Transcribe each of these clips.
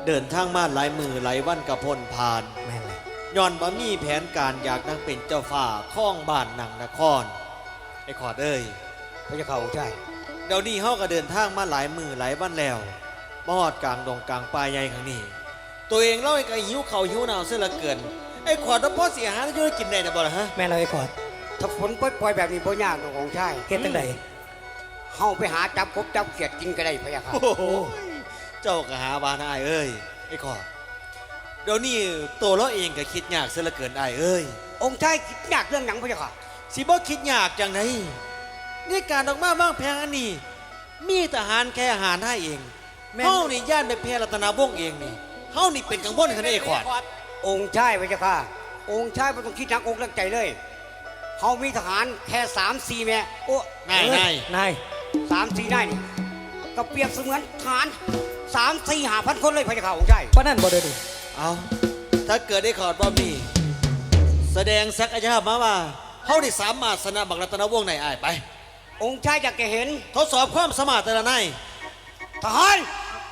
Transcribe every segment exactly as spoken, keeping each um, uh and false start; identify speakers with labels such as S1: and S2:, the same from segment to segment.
S1: เดินทางมาหลายมือหลายวันกับพลผ่าน
S2: แม่นเลย
S1: ย้อนบ่มีแผนการอยากนั่งเป็นเจ้าฝ่าข้องบ้านหนังนครไอ้ขอดเอ้ย
S2: พระเจ้าข้าองค์ชาย
S1: เดี๋ยวนี้เฮาก็เดินทางมาหลายมือหลายวันแล้วมาฮอดกลางดงกลางป่าใหญ่ครั้งนี้ตัวเองเล่าไอ้ก็หิวข้าวหิวน้ำเสียเหลือเกินไอ้ขอดพ่อเสียหายแล้วจะกินได้นะบ่ล่ะฮะ
S2: แม่นเลยไอ้ขอด
S3: ถ้าฝนปล่อยๆแบบนี้บ่ยากดอกองค์ชาย
S2: เฮ็ดจังได
S3: เฮาไปหาจับกบจับเขียดกินก็ได้พะยะค่ะ
S1: โอ้โหเจ้าก็หาบานอ้ายเอ้ยไอ้ขอดเดี๋ยวนี้ตัวเราเองก็คิดยากเสียเหลือเกินอ้ายเอ้ย
S3: องค์ชายคิดยากเรื่องหยังพะยะค่ะ
S1: สิบ่คิดยากจังไดนี่การออกมาบ้างแพงอันนี้มีทหารแค่อาหารให้เองเฮานี่ย่านไปแพร่รัตนาวงศ์เองนี่เฮานี่เป็นกังวลขนาดไอ้ขอด
S3: องค์ชายพะยะค่ะองค์ชายบ่ต้องคิดหนักอกหนักใจเลยเฮามีทหารแค่สามสี่แม่โอ้
S1: นายนาย
S2: นาย
S3: สามสี่นายนี่ก็เปรียบเสมือนทหารสามสี่ห้าพันคนเลยพะยะค่ะองค์ชาย
S2: ปานนั้นบ่เด้อดิ
S1: เอาถ้าเกิดได้ขอดบ่มีแสดงศักยภาพมาว่าเฮาได้สามารถชนะบักรัตนวงศ์ในอ้ายไป
S3: องค์ชายอยากจะเห็น
S1: ทดสอบความสามารถแต่ละนาย
S3: ทหาร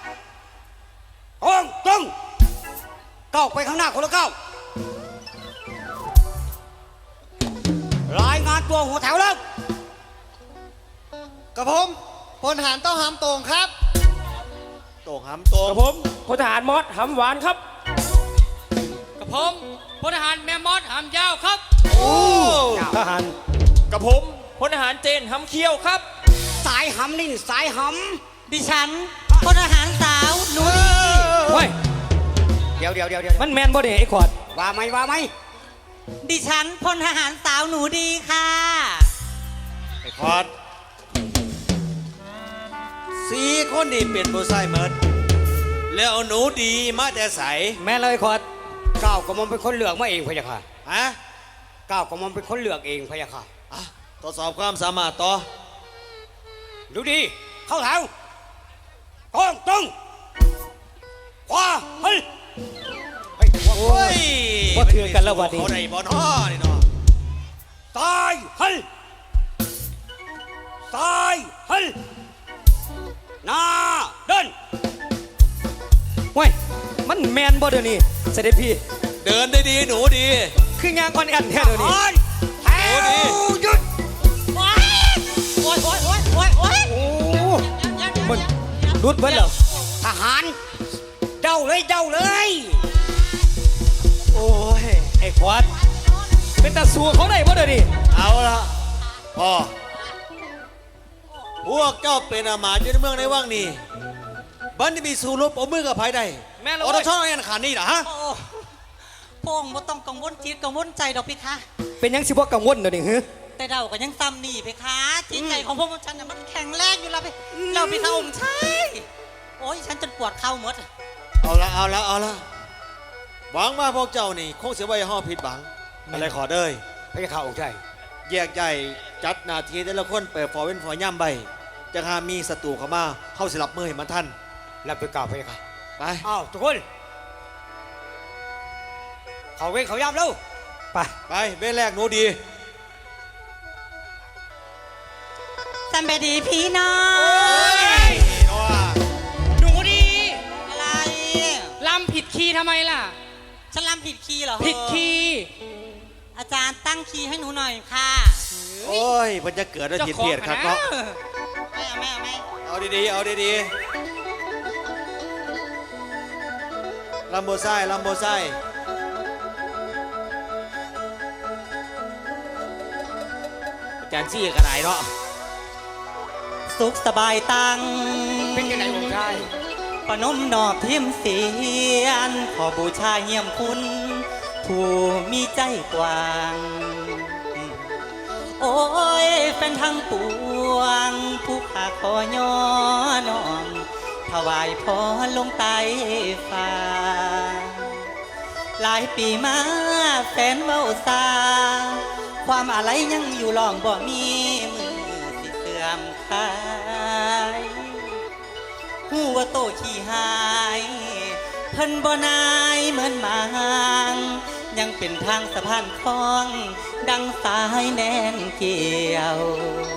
S3: องตรงก้าวไปข้างหน้าคนละก้าวรายงานตัวหัวแถวแล้ว
S1: กับผมพลทหารต้องหามตรงครับตรงหามตรง
S4: กับผมพลทหารมอสหำหวานครับ
S5: กับผมพลทหารแม่มอสหามยาวครับ
S1: โอ้
S2: ทหาร
S4: กับผมพลทหารเจนหำเขี้ยวครับ
S3: สายหำนี่สายห
S6: ดิฉันพลทหารสาวหนูดี
S2: โอ้ย
S3: ำเดี๋ยวเดี๋ยวเดี๋ยวเดี๋ยว
S2: มันแม่นบ่เด้ไอ้ขอด
S3: ว่าไหมว่าไหม
S6: ดิฉันพลทหารสาวหนูดีค่ะ
S1: ไอ้ขอดสี่คนนี่เป็นผู้ชายเมิดแล้วเอาหนูดีมาแต่ใส
S2: แม่นเลยไอ้ขอด
S3: ก้าวกระหม่อมเป็นคนเลือกมาเองพะยะค่ะ
S1: ฮะ
S3: ก้าวกระหม่อมเป็นคนเลือกเองพะยะค่ะ
S1: อ่ะทดสอบความสามารถต่อ
S3: ดูดีเข้าแถวตรงตรงขวาเฮ้ยเฮ้ยขวา
S1: โอ้ย
S2: บ่ถือกันแล้ววัดนี้
S1: เขาได้บ่น้อนี่เนาะ
S3: ซ้ายเฮ้ยซ้ายเฮ้ยหน้าเดิน
S2: โอ้ยมันแม่นบ่เด้อนี่เสด็จพี่
S1: เดินได้ดีหนูดี
S2: คือยางอ่อนแอนแท้เด้อนี่
S3: ทหารแถ
S1: โอ้ดี
S3: วหยุด
S6: โอ๊ยโอ๊ยโอ๊ยโอ๊ยโอ๊ยโอ๊ย
S2: โอ้มันรุดเบิดแล้ว
S3: ทหารเจ้าเลยเจ้าเลย
S2: โอ้ยไอ้ขอดเป็นตาสัวเขาได้บ่เด้อนี่
S1: เอาละพ่อพวกเจ้าเป็นอามาตย์อยู่ในเมืองในว่างนี่บันที่มีสู้รบเอามือกับไผได้
S2: แม่นเลย
S1: ออตช่องอันขาดนี่นะฮะ
S6: โอ้พงบ่ต้องกังวลจิตกังวลใจดอกพี่คะ
S2: เป็นหยังสิบ่กังวลเด้อนี่ฮึ
S6: แต่เราก็ยังซ้ำนี่พี่คะจิตใจของพวกฉันน่ะมันแข็งแรงอยู่แล้วพี่เราพี่คะองค์ชายโอ้ยฉันจนปวดเข่าหมด
S1: เอาละเอาละเอาละหวังว่าพวกเจ้านี่คงเสียไว้ห้อผิดหวังอะไรขอเด้ย
S3: พระยาข่าองค์ชาย
S1: แยกใหญ่จัดหนาทีแต่ละคนเปิดฟอร์เว้นฟอย่ำใบจะหามีศัตรูเข้ามาเข้าสิรับมือให้มันท่าน
S3: รับไปกล่าวพระยาข่า
S1: ไป
S3: อ้าวทุกคนเขาเว้นเขาย่ำแล้ว
S2: ไป
S1: ไปเว้นแรกหนูดี
S6: สัมบดีพี่น้อง
S5: หนูดี
S6: อะไร
S5: ลำผิดคีย์ทำไมล่ะ
S6: ฉันรำผิดคีย์เหรอ
S5: ผิดคีย์
S6: อาจารย์ตั้งคีย์ให้หนูหน่อยค่ะ
S1: โอ้ยมันจะเกิดอะไรผิดเพี้ยนครับเนาะ
S6: ไม่เอาไม่เอาไม่
S1: เอาดีๆเอาดีๆลำโบไซลำโบไซอาจารย์ชี้กระไรเนาะ
S6: สุขสบายตัง
S3: เป็นยังไงองค์ชาย
S6: ปนมนอบเทียมเสียน ขอบูชาเยี่ยมคุณ ผู้มีใจกว้าง โอ้ยเป็นทางปวง ผู้ขาขอย่อน้อมถวายพรลงใต้ฟ้า หลายปีมาแฟนเว้าซาความอะไรยังอยู่ลองบ่มีมือสิเสื่อมคลายหูว่าโตขี้หายเพิ่นบ่นายเหมือนหมางยังเป็นทางสะพานคล้อง ดังสายแน่นเกี่ยว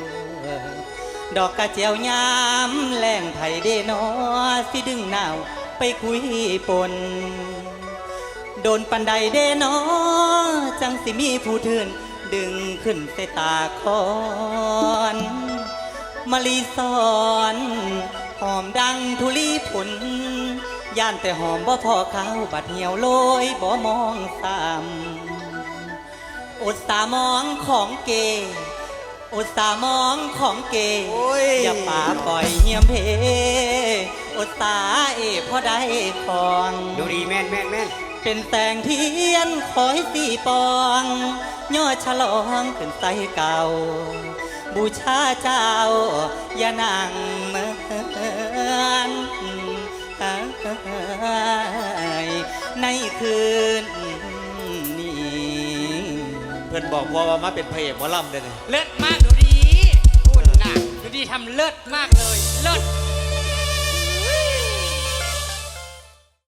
S6: ดอกกระเจียวยามแรงไผ่เดนอสิดึงหนาวไปคุยปน โดนปันใดเดนอจังสิมีผู้เทือนดึงขึ้นใส่ตาคอนมะลีสอนหอมดังทุลีผุนย่านแต่หอมบ่พอเขาบัดเหี่ยวโลยบ่มองซ้ำอดสามองของเกอดสามองของเก
S1: โอ้ย
S6: อย่าป่าปล่อยเหี่ยมเพอดสาเอพอได้คอง
S3: ดูดีแม่นแม่นแม่น
S6: เป็นแสงเทียนคอยสีปองยอดฉลองขึ้นใสเก่า บูชาเจ้า อย่านั่งเหมือนในคืนนี้
S1: เพื่อนบอกพ่อว่ามาเป็นพระเอกหมอลำเด้อนี่
S5: เลิศมากดูดีคุณน่ะดูดีทำเลิศมากเลย เลิศ